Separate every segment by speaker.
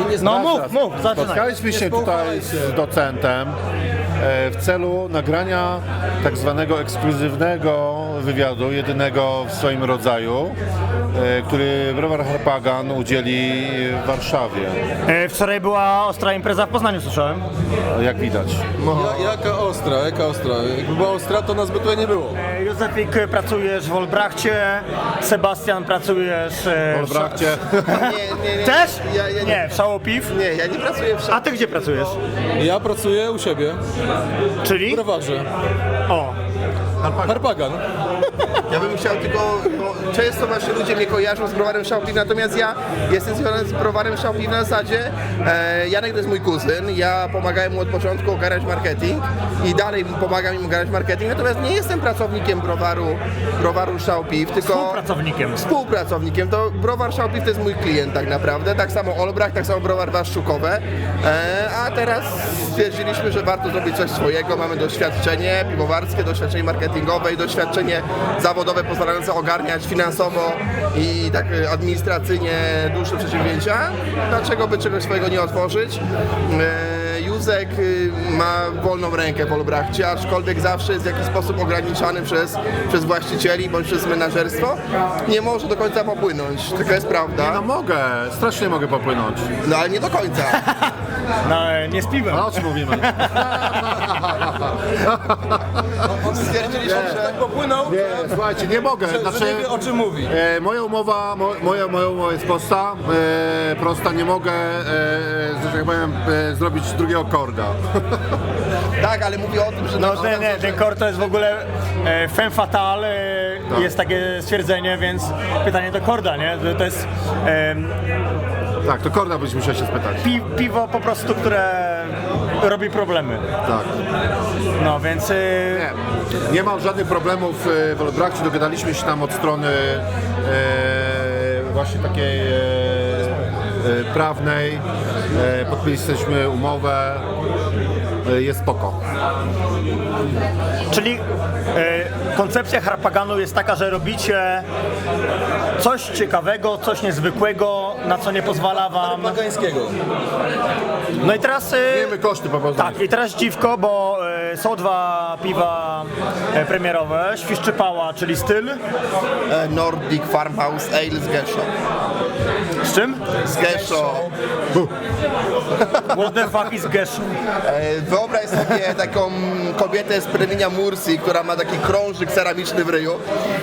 Speaker 1: nie
Speaker 2: No
Speaker 1: zgadza.
Speaker 2: mów, zaczynaj.
Speaker 3: Spotkaliśmy się tutaj z docentem w celu nagrania tak zwanego ekskluzywnego wywiadu, jedynego w swoim rodzaju, który browar Harpagan udzieli w Warszawie,
Speaker 2: Wczoraj była ostra impreza w Poznaniu, słyszałem.
Speaker 3: jak widać.
Speaker 1: Jaka ostra. Jakby była ostra, to nas by tutaj nie było.
Speaker 2: Józefik, pracujesz w Olbrachcie, Sebastian, pracujesz
Speaker 3: W Olbrachcie.
Speaker 4: Nie.
Speaker 2: Też?
Speaker 4: Ja
Speaker 2: Nie, w Szałopiw.
Speaker 4: Nie, ja nie pracuję w
Speaker 2: A ty gdzie pracujesz?
Speaker 1: Ja pracuję u siebie, w
Speaker 2: Czyli?
Speaker 1: browarze.
Speaker 2: O,
Speaker 1: Harpagan.
Speaker 4: Ja bym chciał tylko, bo często właśnie ludzie mnie kojarzą z browarem Szałpiw, natomiast ja jestem związany z browarem Szałpiw na zasadzie, Janek to jest mój kuzyn, ja pomagałem mu od początku ogarniać marketing i dalej pomagam im ogarniać marketing, natomiast nie jestem pracownikiem browaru Szałpiw, tylko współpracownikiem. To browar Szałpiw to jest mój klient tak naprawdę, tak samo Olbrach, tak samo browar Waszczukowe, a teraz stwierdziliśmy, że warto zrobić coś swojego, mamy doświadczenie piwowarskie, doświadczenie marketingowe i doświadczenie zawodowe pozwalające ogarniać finansowo i tak administracyjnie dłuższe przedsięwzięcia. Dlaczego by czegoś swojego nie otworzyć? Józek ma wolną rękę w Olbrachcie, aczkolwiek zawsze jest w jakiś sposób ograniczany przez właścicieli bądź przez menażerstwo. Nie może do końca popłynąć, taka jest prawda.
Speaker 3: No mogę, strasznie mogę popłynąć.
Speaker 4: No ale nie do końca.
Speaker 2: no, nie z piwem.
Speaker 3: A o czym mówimy?
Speaker 4: Stwierdziliśmy, że
Speaker 1: Tak popłynął,
Speaker 3: Nie, słuchajcie, nie mogę.
Speaker 1: że
Speaker 3: Znaczy,
Speaker 1: nie wie o czym mówi.
Speaker 3: moja umowa jest prosta, nie mogę, że tak powiem, zrobić drugiego korda.
Speaker 4: tak, ale mówię o tym, że
Speaker 2: No ten kor to jest w ogóle femme fatale, jest takie stwierdzenie, więc pytanie do korda, nie? To jest
Speaker 3: Tak, to korda byś musiał się spytać.
Speaker 2: piwo po prostu, które robi problemy.
Speaker 3: Tak.
Speaker 2: No więc
Speaker 3: Nie mam żadnych problemów w Olbrachcie, dogadaliśmy się tam od strony właśnie takiej prawnej, podpisaliśmy umowę, jest spoko.
Speaker 2: czyli koncepcja Harpaganu jest taka, że robicie coś ciekawego, coś niezwykłego, na co nie pozwala wam.
Speaker 1: Harpagańskiego.
Speaker 2: No i teraz
Speaker 3: Wiemy koszty po prostu.
Speaker 2: tak, i teraz dziwko, bo są dwa piwa premierowe, Świszczypała, czyli styl.
Speaker 4: Nordic Farmhouse Ale z Geszo.
Speaker 2: Z czym?
Speaker 4: Z Geszo.
Speaker 2: What the fuck is Geszu?
Speaker 4: Wyobraź sobie taką kobietę z plemienia Mursi, która ma taki krążyk ceramiczny w ryju.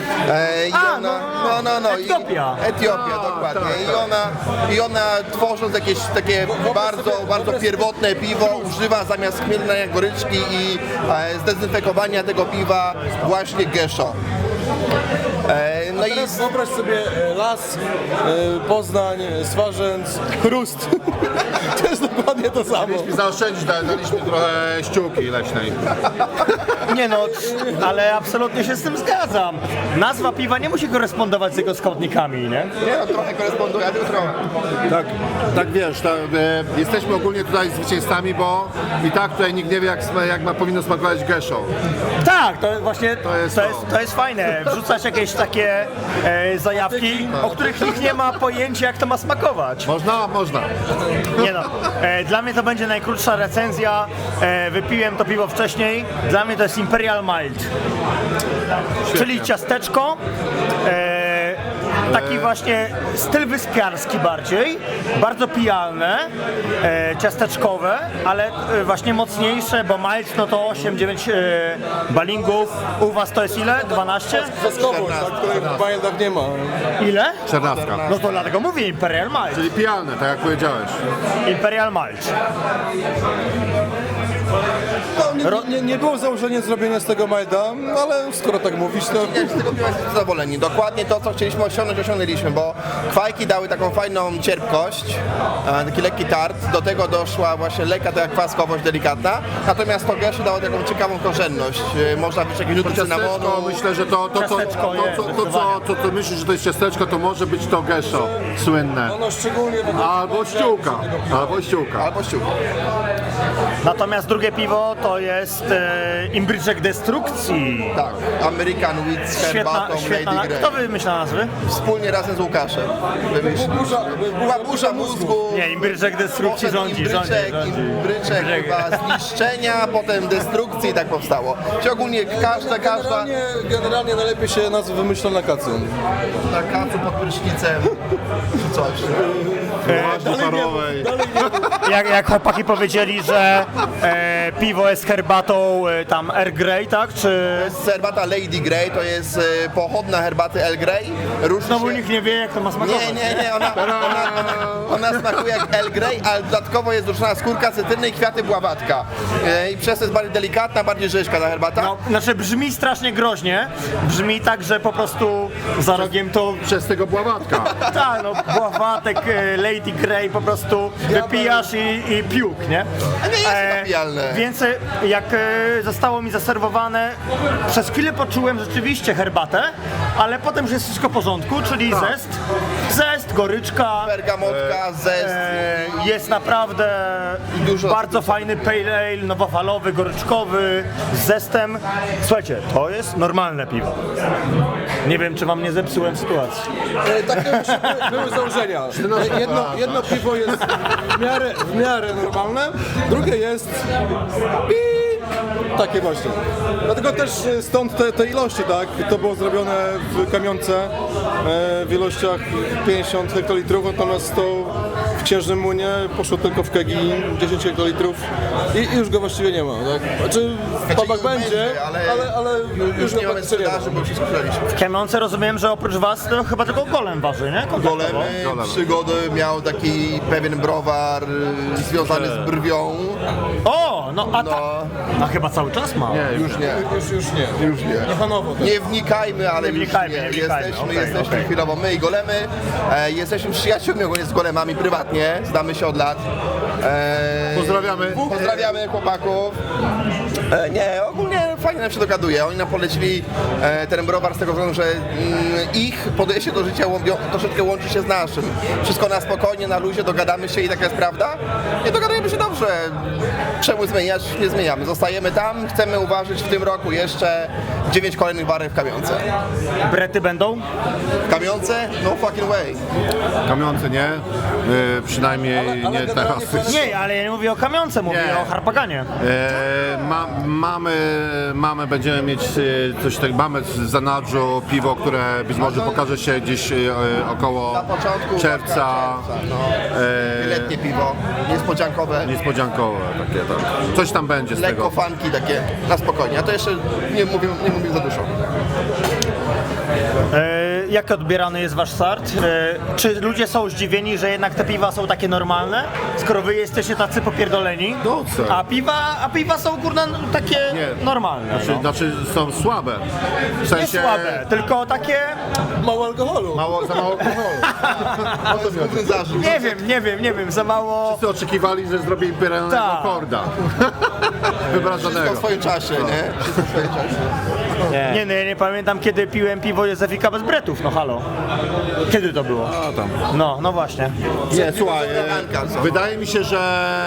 Speaker 4: Etiopia, dokładnie. I ona tworząc jakieś takie bardzo pierwotne piwo używa zamiast chmielnej goryczki i zdezynfekowania tego piwa właśnie Geszo. No i
Speaker 1: Teraz wyobraź sobie las, Poznań, Swarzędz, Chrust. To jest dokładnie to samo.
Speaker 3: Zaoszczędzić, daliśmy trochę ściółki leśnej.
Speaker 2: Nie no, ale absolutnie się z tym zgadzam. Nazwa piwa nie musi korespondować z jego składnikami, nie?
Speaker 4: nie no, trochę koresponduje, tylko trochę.
Speaker 3: Tak wiesz, jesteśmy ogólnie tutaj zwycięzcami, bo i tak tutaj nikt nie wie jak powinno smakować geszo.
Speaker 2: Tak, to właśnie
Speaker 3: jest
Speaker 2: to jest fajne. Wrzucać jakieś takie zajawki, o których nikt nie ma pojęcia, jak to ma smakować.
Speaker 3: Można.
Speaker 2: Nie no, dla mnie to będzie najkrótsza recenzja. Wypiłem to piwo wcześniej. Dla mnie to jest Imperial Mild. Czyli ciasteczko. Taki właśnie styl wyspiarski bardziej, bardzo pijalne, ciasteczkowe, ale właśnie mocniejsze, bo mild no to 8-9 balingów. U was to jest ile? 12?
Speaker 1: Zaskowość, której w bajendach nie ma.
Speaker 2: Ile?
Speaker 3: 14.
Speaker 2: No to dlatego mówię Imperial Mild.
Speaker 3: Czyli pijalne, tak jak powiedziałeś.
Speaker 2: Imperial Mild.
Speaker 1: No, nie było założenia zrobienia z tego Majda, ale skoro tak mówisz, to...
Speaker 4: Nie, z tego piwa jesteśmy zadowoleni. Dokładnie to, co chcieliśmy osiągnąć, osiągnęliśmy, bo kwajki dały taką fajną cierpkość, taki lekki tart. Do tego doszła właśnie lekka taka kwaskowość delikatna. Natomiast to geszu dało taką ciekawą korzenność. Można być jakieś nuty cynamonu.
Speaker 3: Ciasteczko, myślę, że to co myślisz, że to jest ciasteczko, to może być to geszo słynne.
Speaker 1: Ono szczególnie...
Speaker 3: Albo ściółka.
Speaker 4: Albo ściółka.
Speaker 2: Natomiast drugie piwo to jest imbryczek destrukcji.
Speaker 4: Tak, American Wheat z herbatą
Speaker 2: Świetna.
Speaker 4: Lady Grey.
Speaker 2: Kto wymyśla nazwy?
Speaker 4: Wspólnie razem z Łukaszem. Burza mózgu.
Speaker 2: Nie, imbryczek destrukcji
Speaker 4: Poszedł
Speaker 2: rządzi.
Speaker 4: imbryczek chyba zniszczenia, potem destrukcji i tak powstało. Czyli ogólnie każda
Speaker 1: Generalnie najlepiej się nazwy wymyśla na kacu.
Speaker 4: na kacu pod prysznicem czy coś.
Speaker 3: Łaźni parowej.
Speaker 2: Jak chłopaki powiedzieli, że piwo jest herbatą tam Earl Grey, tak? Czy...
Speaker 4: To jest herbata Lady Grey, to jest pochodna herbaty Earl Grey. Różni
Speaker 2: No bo
Speaker 4: się...
Speaker 2: nikt nie wie, jak to ma smakować.
Speaker 4: Nie, ona smakuje jak Earl Grey, ale dodatkowo jest duszona skórka cytryny i kwiaty bławatka. I przez to jest bardziej delikatna, bardziej rzeźka ta herbata.
Speaker 2: No, znaczy brzmi strasznie groźnie. Brzmi tak, że po prostu za rogiem to...
Speaker 3: Przez tego bławatka.
Speaker 2: Tak, no bławatek Lady Grey po prostu wypijasz i piłk, nie?
Speaker 4: A nie jest to napijalne.
Speaker 2: Więc jak zostało mi zaserwowane, przez chwilę poczułem rzeczywiście herbatę, ale potem już jest wszystko w porządku, czyli zest, goryczka.
Speaker 4: Bergamotka, zest.
Speaker 2: Jest naprawdę
Speaker 4: dużo-
Speaker 2: bardzo fajny pale ale, nowofalowy, goryczkowy, z zestem. Słuchajcie, to jest normalne piwo. Nie wiem, czy wam nie zepsułem sytuacji.
Speaker 1: Takie były założenia. Jedno piwo jest w miarę normalne, drugie jest takie właśnie. Dlatego też stąd te ilości, tak? To było zrobione w kamionce w ilościach 50 hektolitrów, natomiast to w Księżnym Młynie poszło tylko w kegi 10 hektolitrów i już go właściwie nie ma, tak? Znaczy w pubach będzie, ale
Speaker 4: już
Speaker 1: go
Speaker 4: nie mamy
Speaker 1: praktycznie nie ma.
Speaker 4: sprzedaży, bo wszystko sprzedaliśmy.
Speaker 2: W Kiemonce rozumiem, że oprócz was to chyba tylko golem waży, nie?
Speaker 4: Golemy, przygody miał taki pewien browar związany z brwią.
Speaker 2: O, no a
Speaker 4: No.
Speaker 2: tak. A chyba cały czas ma.
Speaker 4: Już nie.
Speaker 1: Już nie. Niechanowo.
Speaker 4: Nie wnikajmy, ale
Speaker 2: Nie
Speaker 4: już
Speaker 2: wnikajmy,
Speaker 4: nie.
Speaker 2: nie wnikajmy.
Speaker 4: Jesteśmy
Speaker 2: Okej.
Speaker 4: chwilowo my i golemy. Jesteśmy przyjaciółmi ogólnie z golemami prywatnie, znamy się od lat. Pozdrawiamy chłopaków. Nie, ogólnie fajnie nam się dogaduje. Oni nam polecili ten browar z tego względu, że ich podejście do życia troszeczkę łączy się z naszym. Wszystko na spokojnie, na luzie, dogadamy się i taka jest prawda. Nie dogadujemy się dobrze. Czemu zmieniać? Nie zmieniamy. Zostajemy tam, chcemy uważać w tym roku jeszcze 9 kolejnych barek w Kamionce.
Speaker 2: Brety będą?
Speaker 4: W Kamionce? No fucking way.
Speaker 3: Kamionce nie, przynajmniej nie teraz.
Speaker 2: Nie, ale ja nie mówię o kamionce, mówię
Speaker 3: Nie.
Speaker 2: o harpaganie.
Speaker 3: Mamy, będziemy mieć coś takiego, mamy z zanadrzu piwo, które być może pokaże się gdzieś około
Speaker 4: Na początku
Speaker 3: czerwca.
Speaker 4: no. Letnie piwo, niespodziankowe,
Speaker 3: Niespodziankowe takie, tak. Coś tam będzie z
Speaker 4: lekko
Speaker 3: tego.
Speaker 4: funky takie, na spokojnie. A to jeszcze nie mówię za dużo.
Speaker 2: Jak odbierany jest wasz start? Czy ludzie są zdziwieni, że jednak te piwa są takie normalne, skoro wy jesteście tacy popierdoleni?
Speaker 3: No co?
Speaker 2: A piwa są kurna takie
Speaker 3: Nie.
Speaker 2: normalne.
Speaker 3: Znaczy są słabe. W
Speaker 2: Nie
Speaker 3: sensie
Speaker 2: słabe, tylko takie...
Speaker 1: Mało alkoholu.
Speaker 3: za mało alkoholu.
Speaker 4: To jest główny zarzut.
Speaker 2: Nie wiem, za mało...
Speaker 3: Wszyscy oczekiwali, że zrobię imperialnego
Speaker 2: Tak.
Speaker 3: korda.
Speaker 4: Wszystko
Speaker 3: Wybradzonego.
Speaker 4: w swoim czasie, nie? Wszystko w swoim czasie.
Speaker 2: Nie, no ja nie pamiętam, kiedy piłem piwo Józefika bez bretów, no halo. Kiedy to było? No właśnie.
Speaker 3: Nie, słuchaj,
Speaker 4: Anka, co?
Speaker 3: wydaje mi się, że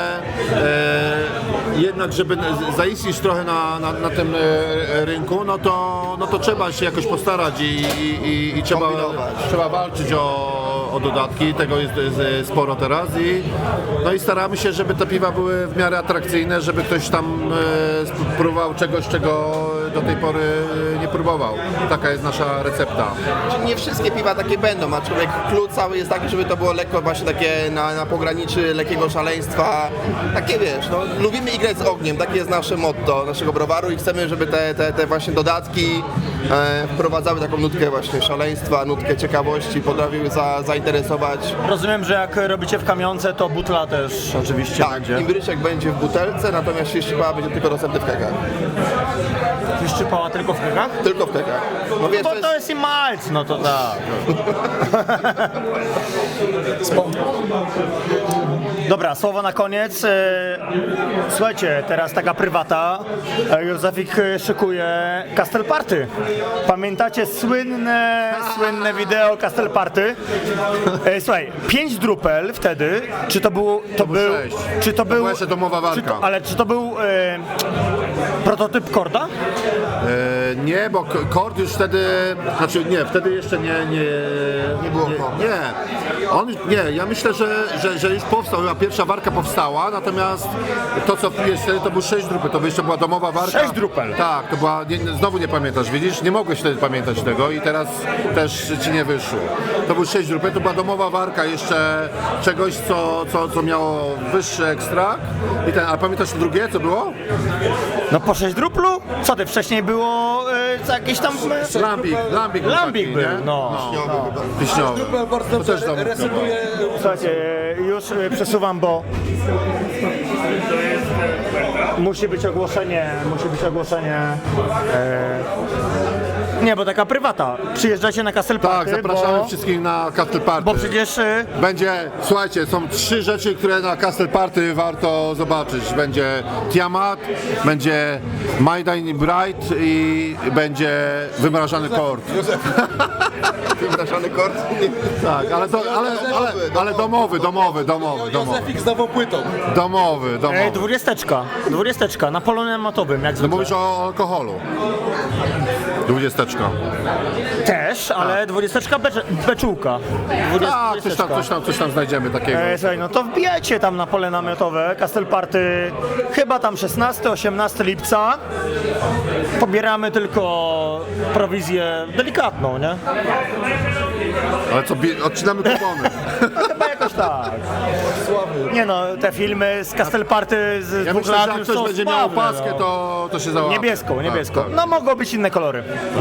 Speaker 3: jednak, żeby zaistnieć trochę na tym rynku, no to trzeba się jakoś postarać i trzeba walczyć o dodatki, tego jest sporo teraz i staramy się, żeby te piwa były w miarę atrakcyjne, żeby ktoś tam próbował czegoś, czego do tej pory nie próbował. Taka jest nasza recepta.
Speaker 4: Znaczy, nie wszystkie piwa takie będą, aczkolwiek klucz cały jest taki, żeby to było lekko właśnie takie na pograniczy lekkiego szaleństwa. Takie wiesz, no, lubimy igrać z ogniem, takie jest nasze motto naszego browaru i chcemy, żeby te właśnie dodatki wprowadzały taką nutkę właśnie szaleństwa, nutkę ciekawości, potrafiły zainteresować.
Speaker 2: Rozumiem, że jak robicie w kamionce, to butla też oczywiście
Speaker 4: Tak,
Speaker 2: będzie.
Speaker 4: imbryczek będzie w butelce, natomiast świeżczypała będzie tylko dostępny w kegach.
Speaker 2: Wyszczypała tylko w kegach?
Speaker 4: Tylko w kegach. No wiesz,
Speaker 2: Bo to jest i malc, no to tak. Dobra, słowo na koniec. Słuchajcie, teraz taka prywata. Józefik szykuje Castle Party. Pamiętacie słynne wideo Castle Party? Słuchaj, 5 drupel wtedy, czy to był... To był,
Speaker 3: 6.
Speaker 2: czy to był...
Speaker 3: była jeszcze domowa walka.
Speaker 2: Ale czy to był prototyp Korda?
Speaker 3: Nie, bo Kord już wtedy, znaczy nie, wtedy jeszcze nie
Speaker 4: było Korda.
Speaker 3: Ja myślę, że już powstał, chyba pierwsza warka powstała, natomiast to co jest wtedy to był 6 drupy, to jeszcze była domowa warka.
Speaker 2: 6 drupel?
Speaker 3: Tak, to była, znowu nie pamiętasz, widzisz, nie mogłeś wtedy pamiętać tego i teraz też ci nie wyszło. To był 6 drupy, to była domowa warka jeszcze czegoś, co miało wyższy ekstrakt. A pamiętasz drugie, co było?
Speaker 2: No po 6 druplu? Co ty, wcześniej było jakieś tam...
Speaker 3: Lambik
Speaker 2: Lambik był,
Speaker 3: nie?
Speaker 2: no.
Speaker 3: Wiśniowy.
Speaker 1: Bardzo
Speaker 3: To też
Speaker 1: dobrze resetuje.
Speaker 2: Słuchajcie, już przesuwam, bo musi być ogłoszenie. Nie, bo taka prywata. Przyjeżdżacie na Castle
Speaker 3: Tak,
Speaker 2: Party,
Speaker 3: zapraszamy wszystkich na Castle Party.
Speaker 2: bo przecież
Speaker 3: Będzie, słuchajcie, są 3 rzeczy, które na Castle Party warto zobaczyć. Będzie Tiamat, będzie My Dying Bride i będzie wymrażany kord.
Speaker 4: Wymrażany kord.
Speaker 3: Tak, ale domowy.
Speaker 1: Józefik z nową płytą.
Speaker 3: Domowy.
Speaker 2: 20 na polu nematowym, jak
Speaker 3: No
Speaker 2: zwykle.
Speaker 3: mówisz o alkoholu. 20.
Speaker 2: Też, ale 20 beczułka.
Speaker 3: Tak, coś tam znajdziemy takiego.
Speaker 2: Słuchaj, no to wbijajcie tam na pole namiotowe, Castle Party, chyba tam 16-18 lipca. Pobieramy tylko prowizję delikatną, nie?
Speaker 3: Ale co, odcinamy kupony.
Speaker 2: Chyba jakoś tak. Nie no, te filmy z Castle Party z
Speaker 3: Ja
Speaker 2: 2
Speaker 3: myślę, że
Speaker 2: lat
Speaker 3: jak
Speaker 2: już
Speaker 3: ktoś
Speaker 2: są
Speaker 3: będzie miał
Speaker 2: sławne,
Speaker 3: opaskę,
Speaker 2: no.
Speaker 3: to się załapie.
Speaker 2: Niebieską.
Speaker 3: Tak.
Speaker 2: No mogą być inne kolory.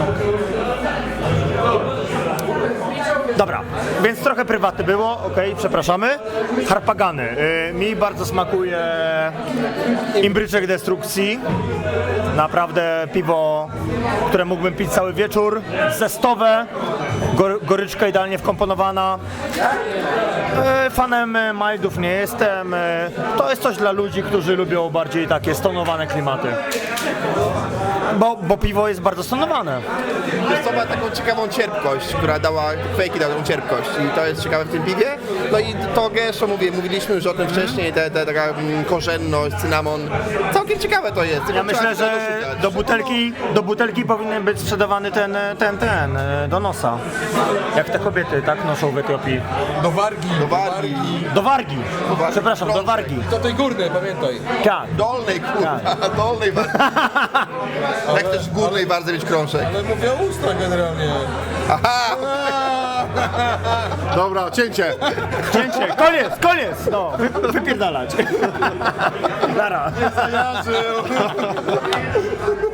Speaker 2: Dobra, więc trochę prywatne było, okej, przepraszamy. Harpagany. Mi bardzo smakuje imbryczek destrukcji. Naprawdę piwo, które mógłbym pić cały wieczór. Zestowe, goryczka idealnie wkomponowana. Fanem mildów nie jestem. To jest coś dla ludzi, którzy lubią bardziej takie stonowane klimaty. Bo piwo jest bardzo stonowane.
Speaker 4: Wiesz co, ma taką ciekawą cierpkość, która dała, Quake'i dał tą cierpkość i to jest ciekawe w tym piwie. No i to gęsto mówiliśmy już o tym wcześniej, taka korzenność, cynamon. Całkiem ciekawe to jest.
Speaker 2: Ja myślę, że do butelki powinien być sprzedawany ten do nosa. Jak te kobiety, tak, noszą w Etiopii.
Speaker 1: Do wargi.
Speaker 2: Do wargi. Przepraszam, do wargi.
Speaker 1: Do tej górnej, pamiętaj.
Speaker 2: Tak.
Speaker 4: Dolnej, kurwa, dolnej bardzo. Jak też w górnej bardzo mieć krążek.
Speaker 1: Ale mówię o ustach generalnie.
Speaker 4: Aha!
Speaker 3: Dobra, cięcie.
Speaker 2: Cięcie, koniec, no, wypierdalać. Nara.
Speaker 3: Ja żył.